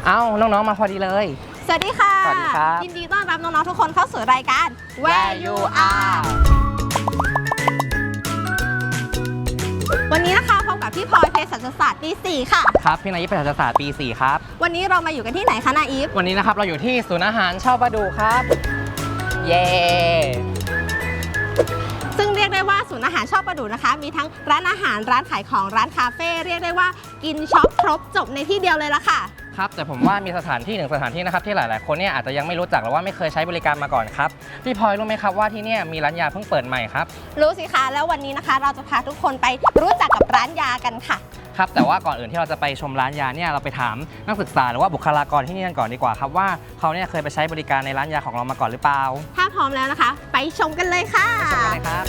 เอ้าน้องๆมาพอดีเลยสวัสดีค่ะสวัสดีครับยินดีต้อนรับน้องๆทุกคนเข้าสู่รายการ Where You Are วันนี้นะคะพบกับพี่พลอยเภสัชศาสตร์ปี 4 ค่ะครับพี่นายยิปเภสัชศาสตร์ปี 4 ครับวันนี้เรามาอยู่กันที่ไหนคะนาอีฟวันนี้นะครับเราอยู่ที่ศูนย์อาหารเช่าประดูครับเย้ซึ่งเรียกได้ว่าศูนย์อาหารชอบประดูนะคะมีทั้งร้านอาหารร้านขายของร้านคาเฟ่เรียกได้ว่ากินช็อปครบจบในที่เดียวเลยละค่ะครับแต่ผมว่ามีสถานที่หนึ่งสถานที่นะครับที่หลายๆคนเนี่ยอาจจะยังไม่รู้จักหรือว่าไม่เคยใช้บริการมาก่อนครับพี่พลอยรู้ไหมครับว่าที่นี่มีร้านยาเพิ่งเปิดใหม่ครับรู้สิคะแล้ววันนี้นะคะเราจะพาทุกคนไปรู้จักกับร้านยากันค่ะครับแต่ว่าก่อนอื่นที่เราจะไปชมร้านยาเนี่ยเราไปถามนักศึกษาหรือว่าบุคลากรที่นี่กันก่อนดีกว่าครับว่าเขาเนี่ยเคยไปใช้บริการในร้านยาของเรามาก่อนหรือเปล่าถ้าพร้อมแล้วนะคะไปชมกันเลยค่ะไปชมกันเลยครับ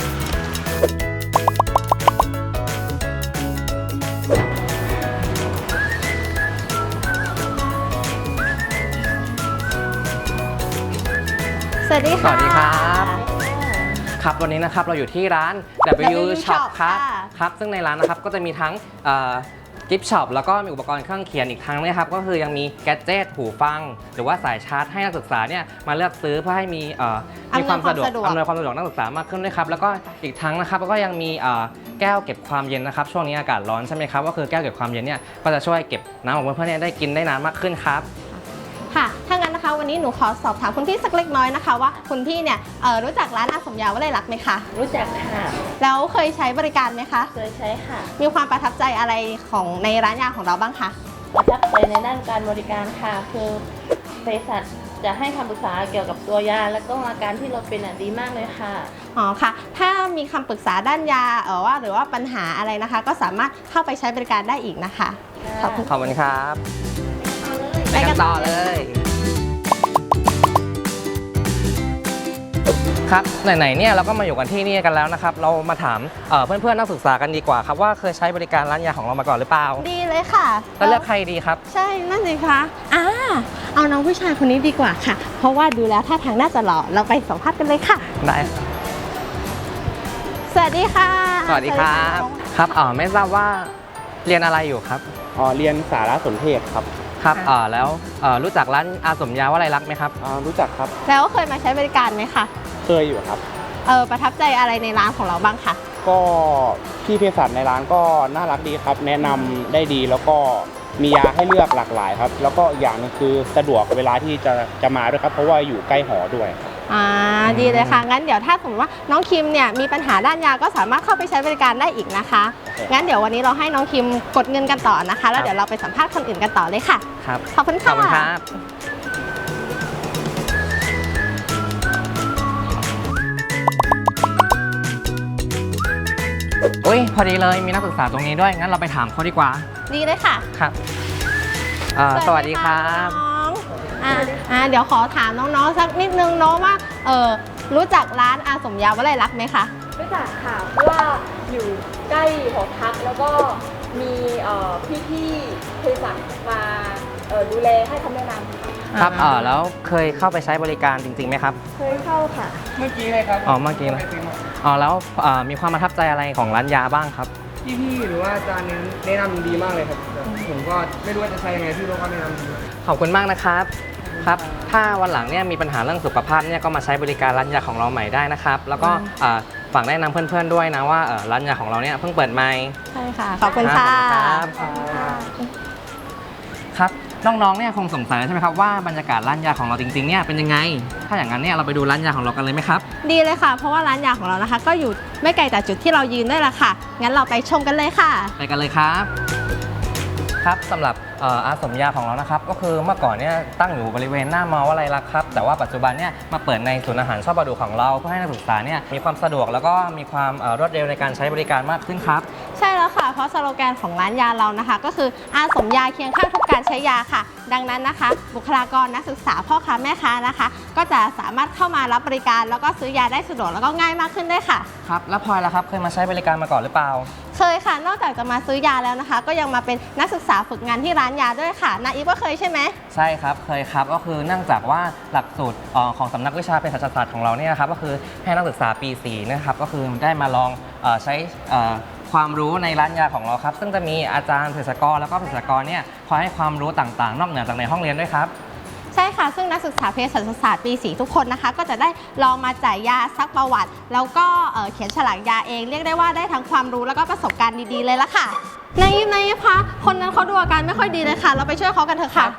สวัสดีค่ะสวัสดีครับครับวันนี้นะครับเราอยู่ที่ร้าน W Shop ครับซึ่งในร้านนะครับก็จะมีทั้งกิฟต์ช็อปแล้วก็มีอุปกรณ์เครื่องเขียนอีกทั้งนะครับก็คือยังมีแกดเจิตหูฟังหรือว่าสายชาร์จให้นักศึกษาเนี่ยมาเลือกซื้อเพื่อให้มีความสะดวกอำนวยความสะดวกนักศึกษามากขึ้นด้วยครับแล้วก็อีกทั้งนะครับก็ยังมีแก้วเก็บความเย็นนะครับช่วงนี้อากาศร้อนใช่ไหมครับก็คือแก้วเก็บความเย็นเนี่ยก็จะช่วยเก็บน้ำของเพื่อนๆเนี่ยได้กินได้นานมากขึ้นครับค่ะถ้างั้นนะคะวันนี้หนูขอสอบถามคุณพี่สักเล็กน้อยนะคะว่าคุณพี่เนี่ยรู้จักร้านอาสมยาวลัยลักษณ์ไหมคะรู้จักค่ะแล้วเคยใช้บริการไหมคะเคยใช้ค่ะมีความประทับใจอะไรของในร้านยาของเราบ้างคะประทับใจในด้านการบริการค่ะคือเภสัชจะให้คำปรึกษาเกี่ยวกับตัวยาและก็อาการที่เราเป็นดีมากเลยค่ะอ๋อค่ะถ้ามีคำปรึกษาด้านยาหรือว่าปัญหาอะไรนะคะก็สามารถเข้าไปใช้บริการได้อีกนะคะขอบคุณครับไปกันต่อเลยครับไหนๆเนี่ยเราก็มาอยู่กันที่นี่กันแล้วนะครับเรามาถามเพื่อนๆนักศึกษากันดีกว่าครับว่าเคยใช้บริการร้านยาของเรามาก่อนหรือเปล่าดีเลยค่ะแล้วเลือกใครดีครับใช่นั่นสิคะเอาน้องผู้ชายคนนี้ดีกว่าค่ะเพราะว่าดูแล้วท่าทางน่าจะหล่อเราไปสัมภาษณ์กันเลยค่ะได้สวัสดีค่ะสวัสดีครับครับไม่ทราบว่าเรียนอะไรอยู่ครับเรียนสารสนเทศครับครับแล้วรู้จักร้านอาสมยาวลัยลักษณ์ไหมครับรู้จักครับแล้วเคยมาใช้บริการไหมคะเคยอยู่ครับประทับใจอะไรในร้านของเราบ้างคะก็พี่เภสัชในร้านก็น่ารักดีครับแนะนำได้ดีแล้วก็มียาให้เลือกหลากหลายครับแล้วก็อย่างนึงคือสะดวกเวลาที่จะมาด้วยครับเพราะว่าอยู่ใกล้หอด้วยดีเลยค่ะงั้นเดี๋ยวถ้าสมมติว่าน้องคิมเนี่ยมีปัญหาด้านยาก็สามารถเข้าไปใช้บริการได้อีกนะคะงั้นเดี๋ยววันนี้เราให้น้องคิมกดเงินกันต่อนะคะแล้วเดี๋ยวเราไปสัมภาษณ์คนอื่นกันต่อเลยค่ะครับขอบคุณค่ะขอบคุณครับอุ้ยพอดีเลยมีนักศึกษาตรงนี้ด้วยงั้นเราไปถามเขาดีกว่าดีเลยค่ะครับสวัสดีครับเดี๋ยวขอถามน้องๆสักนิดนึงเนาะว่ารู้จักร้านอาสมยาวลัยลักษณ์ไหมคะรู้จักค่ะเพราะว่าอยู่ใกล้หอพักแล้วก็มีพี่ๆเภสัชมาดูแลให้คำแนะนำครับแล้วเคยเข้าไปใช้บริการจริงๆไหมครับเคยเข้าค่ะเมื่อกี้เลยครับเมื่อกี้นะแล้วมีความประทับใจอะไรของร้านยาบ้างครับพี่หรือว่าอาจารย์แนะนำดีมากเลยครับผมก็ไม่รู้ว่าจะใช้ยังไงพี่รู้ก็แนะนำดีขอบคุณมากนะครับครับถ้าวันหลังเนี่ยมีปัญหาเรื่องสุขภาพเนี่ยก็มาใช้บริการร้านยาของเราใหม่ได้นะครับแล้วก็ฝากแนะนำเพื่อนๆด้วยนะว่าร้านยาของเราเนี่ยเพิ่งเปิดใหม่ใช่ค่ะขอบคุณค่ะครับน้องๆเนี่ยคงสงสัยใช่ไหมครับว่าบรรยากาศร้านยาของเราจริงๆเนี่ยเป็นยังไงถ้าอย่างนั้นเนี่ยเราไปดูร้านยาของเรากันเลยไหมครับดีเลยค่ะเพราะว่าร้านยาของเรานะคะก็อยู่ไม่ไกลจากจุดที่เรายืนด้วยละค่ะงั้นเราไปชมกันเลยค่ะไปกันเลยครับครับสำหรับอาสมยาของเรานะครับก็คือเมื่อก่อนเนี่ยตั้งอยู่บริเวณหน้ามอวลัยลักษณ์ครับแต่ว่าปัจจุบันเนี่ยมาเปิดในศูนย์อาหารชอบประดูของเราเพื่อให้นักศึกษาเนี่ยมีความสะดวกแล้วก็มีความรวดเร็วในการใช้บริการมากขึ้นครับใช่แล้วค่ะเพราะสโลแกนของร้านยาเรานะคะก็คืออาสมยาเคียงข้างทุกการใช้ยาค่ะดังนั้นนะคะบุคลากรนักศึกษาพ่อค้าแม่ค้านะคะก็จะสามารถเข้ามารับบริการแล้วก็ซื้อยาได้สะดวกแล้วก็ง่ายมากขึ้นด้วยค่ะครับแล้วพลอยล่ะครับเคยมาใช้บริการมาก่อนหรือเปล่าเคยค่ะนอกจากจะมาซื้อยาแล้วนะคะก็ยังมาเป็นนักศึกษาฝึกงานที่ร้านยาด้วยค่ะนาอีฟก็เคยใช่ไหมใช่ครับเคยครับก็คือเนื่องจากว่าหลักสูตรของสำนักวิชาเภสัชศาสตร์ของเราเนี่ยครับก็คือให้นักศึกษาปี 4นะครับก็คือได้มาลองใช้ความรู้ในร้านยาของเราครับซึ่งจะมีอาจารย์เภสัชกรแล้วก็เภสัชกรเนี่ยคอยให้ความรู้ต่างๆ นอกเหนือจากในห้องเรียนด้วยครับใช่ค่ะซึ่งนักศึกษาเภสัชศาสตร์ปี 4 ทุกคนนะคะก็จะได้ลองมาจ่ายยาซักประวัติ แล้วก็เขียนฉลากยาเองเรียกได้ว่าได้ทั้งความรู้แล้วก็ประสบการณ์ดีๆเลยละค่ะในคะคนนั้นเขาดูอาการไม่ค่อยดีเลยค่ะเราไปช่วยเขากันเถอะค่ะ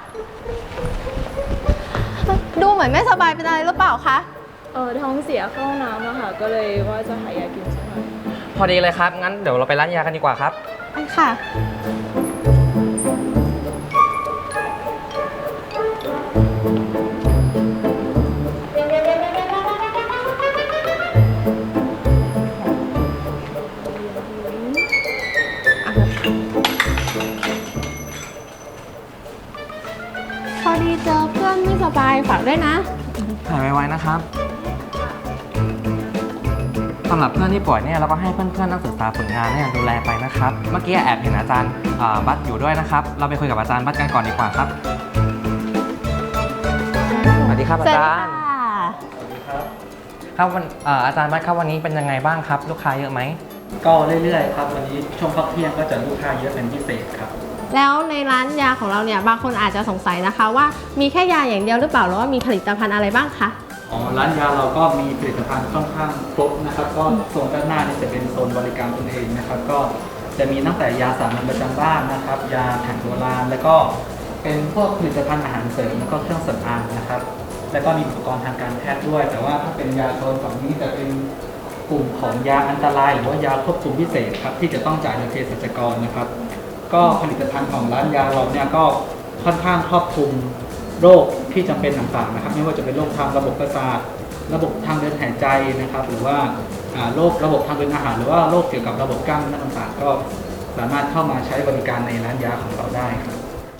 ดูเหมือนไม่สบายเป็นอะไรหรือเปล่าคะท้องเสียเข้าห้องน้ำอะค่ะ ก็เลยว่าจะหายากินสักหน่อยพอดีเลยครับงั้นเดี๋ยวเราไปร้านยากันดีกว่าครับไปค่ะพอดีเจอเพื่อนไม่สบายฝากด้วยนะหายไวๆนะครับสำหรับเพื่อนที่ป่วยเนี่ยเราก็ให้เพื่อนๆนักศึกษาฝึกงานเนี่ยดูแลไปนะครับเมื่อกี้แอบเห็นอาจารย์บัสอยู่ด้วยนะครับเราไปคุยกับอาจารย์บัสกันก่อนดีกว่าครับสวัสดีครับอาจารย์ ครับวันอาจารย์บัสครับวันนี้เป็นยังไงบ้างครับ ลูกค้าเยอะไหมก็เรื่อยๆครับวันนี้ช่วงพักเที่ยงก็จะลูกค้าเยอะเป็นพิเศษครับแล้วในร้านยาของเราเนี่ยบางคนอาจจะสงสัยนะคะว่ามีแค่ยาอย่างเดียวหรือเปล่าหรือว่ามีผลิตภัณฑ์อะไรบ้างคะร้านยาเราก็มีผลิตภัณฑ์ค่อนข้างครบนะครับก็โซนด้านหน้านี่จะเป็นโซนบริการตนเองนะครับก็จะมีตั้งแต่ยาสามัญประจำบ้านนะครับยาแผนโบราณแล้วก็เป็นพวกผลิตภัณฑ์อาหารเสริมแล้วก็เครื่องสำอางนะครับแล้วก็มีอุปกรณ์ทางการแพทย์ด้วย แต่ว่าถ้าเป็นยาโซนฝั่งนี้จะเป็นกลุ่มของยาอันตรายหรือว่ายาควบคุมพิเศษครับที่จะต้องจ่ายโดยเภสัชกรนะครับก็ผลิตภัณฑ์ของร้านยาเราเนี่ยก็ค่อนข้างครอบคลุมโรคที่จำเป็นต่างๆนะครับไม่ว่าจะเป็นโรคทางระบบประสาทระบบทางเดินหายใจนะครับหรือว่าโรคระบบทางเดินอาหารหรือว่าโรคเกี่ยวกับระบบกล้ามเนื้อต่างๆก็สามารถเข้ามาใช้บริการในร้านยาของเราได้ครับ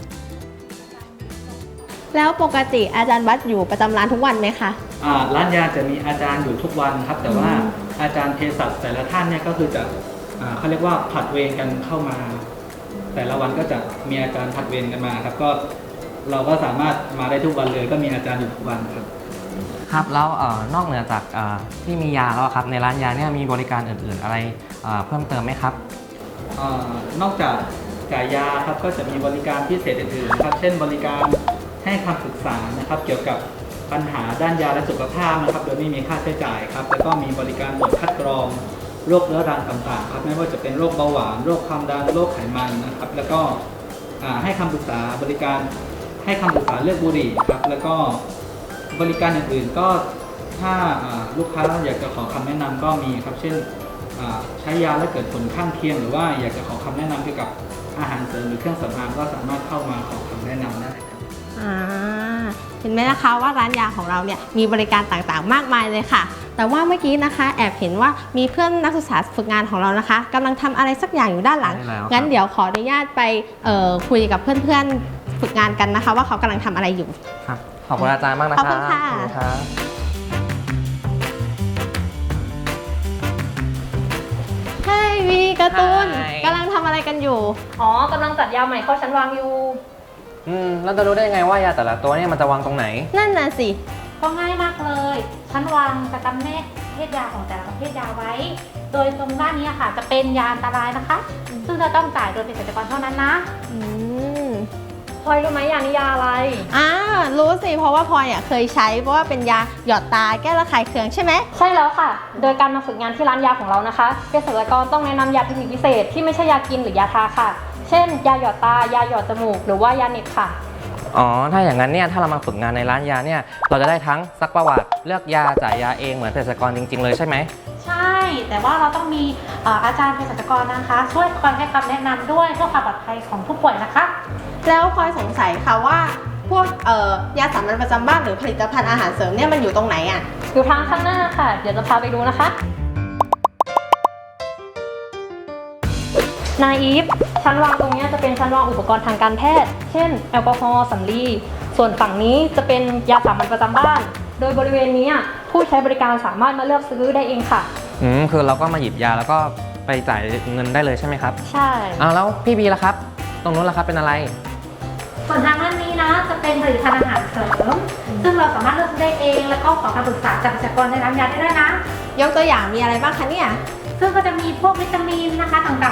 แล้วปกติอาจารย์วัดอยู่ประจำร้านทุกวันไหมคะร้านยาจะมีอาจารย์อยู่ทุกวันครับแต่ว่าอาจารย์เภสัชแต่ละท่านเนี่ยก็คือจะเขาเรียกว่าผลัดเวรกันเข้ามา แต่ละวันก็จะมีอาจารย์ผลัดเวรกันมาครับก็เราก็สามารถมาได้ทุกวันเลยก็มีอาจารย์อยู่ทุกวันครับครับแล้วนอกเหนือจากที่มียาแล้วครับในร้านยาเนี่ยมีบริการอื่นๆอะไรเพิ่มเติมไหมครับนอกจากจ่ายยาครับก็จะมีบริการพิเศษอื่นๆครับเช่นบริการให้คำปรึกษานะครับเกี่ยวกับปัญหาด้านยาและสุขภาพนะครับโดยไม่มีค่าใช้จ่ายครับแล้วก็มีบริการตรวจคัดกรองโรคเรื้อรังต่างๆครับไม่ว่าจะเป็นโรคเบาหวานโรคความดันโรคไขมันนะครับแล้วก็ให้คำปรึกษาบริการให้คำปรึกษาเลือกบุหรี่ครับแล้วก็บริการอื่นๆก็ถ้าลูกค้าอยากจะขอคำแนะนำก็มีครับเช่นใช้ยาแล้วเกิดผลข้างเคียงหรือว่าอยากจะขอคำแนะนำเกี่ยวกับอาหารเสริมหรือเครื่องสำอางก็สามารถเข้ามาขอคำแนะนำได้ครับเห็นไหมนะคะว่าร้านยาของเราเนี่ยมีบริการต่างๆมากมายเลยค่ะ แต่ว่าเมื่อกี้นะคะแอบเห็นว่ามีเพื่อนนักศึกษาฝึกงานของเรานะคะกำลังทำอะไรสักอย่างอยู่ด้านหลังใช่แล้วครับงั้นเดี๋ยวขออนุญาตไปคุยกับเพื่อนๆฝึกงานกันนะคะ ว่าเขากำลังทำอะไรอยู่ครับขอบคุณอาจารย์มากนะครับขอบคุณค่ะขอบคุณครับใช่วีการ์ตูนใช่กำลังทำอะไรกันอยู่อ๋อกำลังจัดยาใหม่เข้าชั้นวางอยู่แล้วจะรู้ได้ยังไงว่ายาแต่ละตัวเนี่ยมันจะวางตรงไหนนั่นน่ะสิก็ง่ายมากเลย ชั้นวางจะจำแนกประเภทยาของแต่ละประเภทยาไว้ โดยตรงด้านนี้ค่ะจะเป็นยาอันตรายนะคะ ซึ่งจะต้องจ่ายโดยเภสัชกรเท่านั้นนะอืมพลอยรู้ไหมยานิยาอะไรรู้สิเพราะว่าพลอยเคยใช้เพราะว่าเป็นยาหยอดตาแก้ระคายเคืองใช่ไหมใช่แล้วค่ะ โดยการมาฝึกงานที่ร้านยาของเรานะคะเภสัชกรต้องแนะนำยาเทคนิคพิเศษที่ไม่ใช่ยากินหรือยาทาค่ะ เช่น ยาหยอดตา ยาหยอดจมูก หรือว่ายาเหน็บค่ะอ๋อถ้าอย่างนั้นเนี่ยถ้าเรามาฝึกงานในร้านยาเนี่ยเราจะได้ทั้งซักประวัติเลือกยาจ่ายยาเองเหมือนเภสัชกรจริงๆเลยใช่ไหมใช่ แต่ว่าเราต้องมีอาจารย์เภสัชกรนะคะ ช่วยคอยให้คำแนะนำด้วยเพื่อความปลอดภัยของผู้ป่วยนะคะแล้วพลอยสงสัยค่ะว่าพวกยาสามัญประจำบ้านหรือผลิตภัณฑ์อาหารเสริมเนี่ยมันอยู่ตรงไหนอ่ะอยู่ทางข้างหน้าค่ะ เดี๋ยวจะพาไปดูนะคะ นายอีฟ ชั้นวางตรงนี้จะเป็นชั้นวางอุปกรณ์ทางการแพทย์ เช่น แอลกอฮอล์สำลี ส่วนฝั่งนี้จะเป็นยาสามัญประจำบ้าน โดยบริเวณนี้ผู้ใช้บริการสามารถมาเลือกซื้อได้เองค่ะคือเราก็มาหยิบยาแล้วก็ไปจ่ายเงินได้เลยใช่ไหมครับใช่แล้วพี่บีล่ะครับ ตรงนู้นล่ะครับเป็นอะไรส่วนทางด้านนี้นะจะเป็นผลิตภัณฑ์อาหารเสริม ซึ่งเราสามารถเลือกซื้อได้เอง แล้วก็ขอคำปรึกษาจากเภสัชกรในร้านยาได้ด้วยนะยกตัวอย่างมีอะไรบ้างคะเนี่ยซึ่งก็จะมีพวกวิตามินนะคะต่างๆ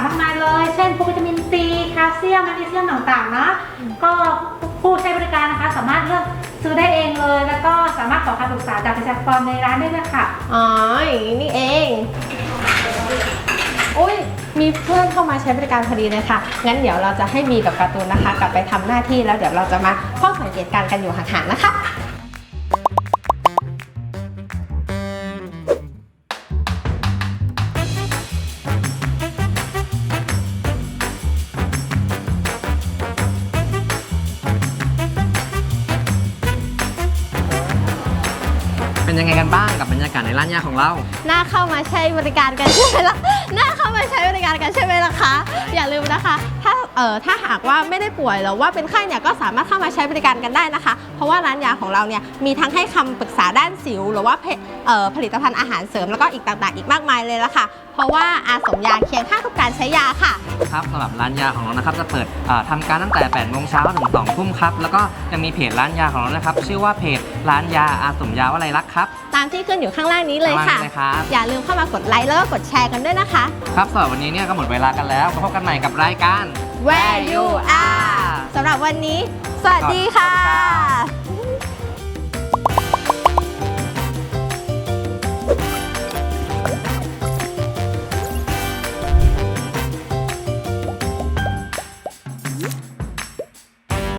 รื่องต่างๆนะก็ผู้ใช้บริการนะคะสามารถเลือกซื้อได้เองเลย แล้วก็สามารถขอคำปรึกษาจากเภสัชกรในร้านได้ด้วยค่ะอ๋ออย่างนี้นี่เองอุ้ยมีเพื่อนเข้ามาใช้บริการพอดีเลยค่ะงั้นเดี๋ยวเราจะให้มีกับการ์ตูนนะคะ กลับไปทำหน้าที่แล้วเดี๋ยวเราจะมาเฝ้าสังเกตการณ์กันอยู่ห่างๆนะคะเป็นยังไงกันบ้างกับบรรยากาศในร้านยาของเราน่าเข้ามาใช้บริการกันใช่ไหมล่ะน่าเข้ามาใช้บริการกันใช่ไหมล่ะคะอย่าลืมนะคะถ้าหากว่าไม่ได้ป่วยหรือว่าเป็นไข้เนี่ยก็สามารถเข้ามาใช้บริการกันได้นะคะ เพราะว่าร้านยาของเราเนี่ยมีทั้งให้คำปรึกษาด้านสิวหรือว่าผลิตภัณฑ์อาหารเสริมแล้วก็อีกต่างๆอีกมากมายเลยละค่ะเพราะว่าอาสมยาเคียงข้างทุกการใช้ยาค่ะครับสำหรับร้านยาของเรานะครับจะเปิดทำการตั้งแต่ 8 โมงเช้าถึง 2 ทุ่มครับแล้วก็ยังมีเพจร้านยาของเรานะครับชื่อว่าเพจร้านยาอาสมยาวลัยลักษณ์ครับตามที่ขึ้นอยู่ข้างล่างนี้เลยค่ะข้างล่างนี้เลยครับอย่าลืมเข้ามากดไลค์แล้วก็กดแชร์กันด้วยนะคะครับสำหรับวันนี้เนี่ยก็หมดเวลากันแล้วพบกันใหม่กับรายการ Where You Are สำหรับวันนี้ สวัสดีค่ะ